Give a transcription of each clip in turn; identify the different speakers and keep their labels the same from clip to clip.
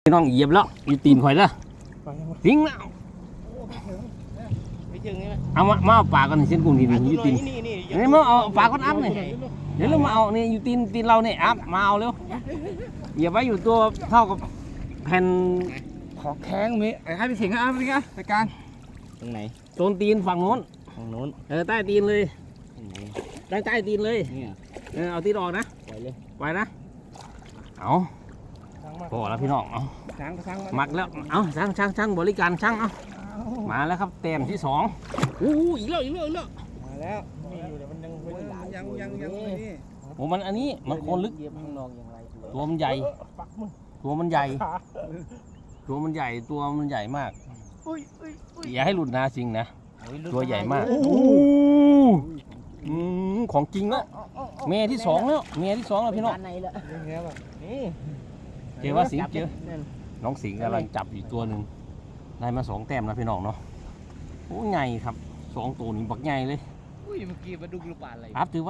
Speaker 1: พี่น้องเหยียบแล้วอยู่ตีนข่อยแล้วทิ้งแล้วเอามาเอาปากกันเส้นกุ้งทีนี้อยู่ตีนนี่มาเอาปากกันอัพนี่เดี๋ยวเรามาเอานี่อยู่ตีนเราเนี่ยอัพมาเอาเร็วเหยียบไว้อยู่ตัวเท่ากับแผ่น
Speaker 2: ขอแข้งมีให้พี่สิงห์ครับพี่รายการ
Speaker 3: ตรงไหน
Speaker 1: โซนตีนฝั่งโน้น
Speaker 3: ตรงโน้น
Speaker 1: ใต้ตีนเลย
Speaker 3: ตรงไหน
Speaker 1: ใต้ตีนเลย
Speaker 3: เนี่ย
Speaker 1: เอาตีนออกนะ
Speaker 3: ปล่อยเลย
Speaker 1: ไว้นะเอาพอแล้วพี่น้องเอา
Speaker 2: ช้าง
Speaker 1: มักแล้วเอาช่างบริการช่างเอามาแล้วครับเต็มที่2อีกแล้ว
Speaker 2: มาแล้วมีอยู่แต่มันยังนี่
Speaker 1: โอ้มันอันนี้มันโคนลึก
Speaker 3: เหยียบข้างนอกอย่างไร
Speaker 1: ตัวมันใหญ่ตัวมันใหญ่ตัวมันใหญ่มากอย่าให้หลุดนะสิงนะตัวใหญ่มากของจริงแล้วเมียที่2แล้วพี่น้อง
Speaker 3: ในละ
Speaker 2: ยังไงล่ะ
Speaker 3: นี่
Speaker 1: เจอว่าสิงเจอน้องสิงกำลังจับอยู่ตัวหนึ่งได้มา2 แต้มนะพี่น้องเนาะโอ้ใหญ่ครับ2 ตัวนี้บักใหญ่เลย
Speaker 3: อุ้ยเมื่อกี้มาดูกระปาอะไร
Speaker 1: อัพถือไว้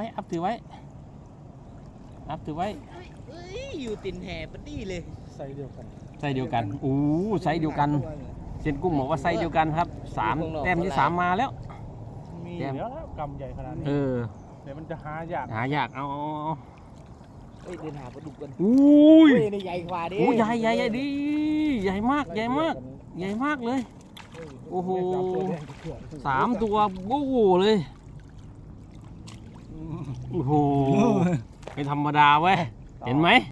Speaker 3: อยู่ตินแห่ปะดี้เลย
Speaker 2: ใส่เดียวกัน
Speaker 1: ไซส์เดียวกันไซส์เดียวกันเซียนกุ้งบอกว่าไซส์เดียวกันครับ3 แต้มที่ 3มาแล้ว
Speaker 2: มีแล้วกำใหญ่ขนาดนี้
Speaker 1: เดี๋ยว
Speaker 2: มันจะหายาก
Speaker 1: หายากเอา
Speaker 3: เฮ้ยเดินหาปลาดุกกัน
Speaker 1: อุ้ย
Speaker 3: ในใหญ่กว่าดิ
Speaker 1: โอ้ใหญ่ดีใหญ่มากเลยโอ้โห3 ตัวโอ้โหเลยโอ้โหไม่ธรรมดาเว้ยเห็นไหม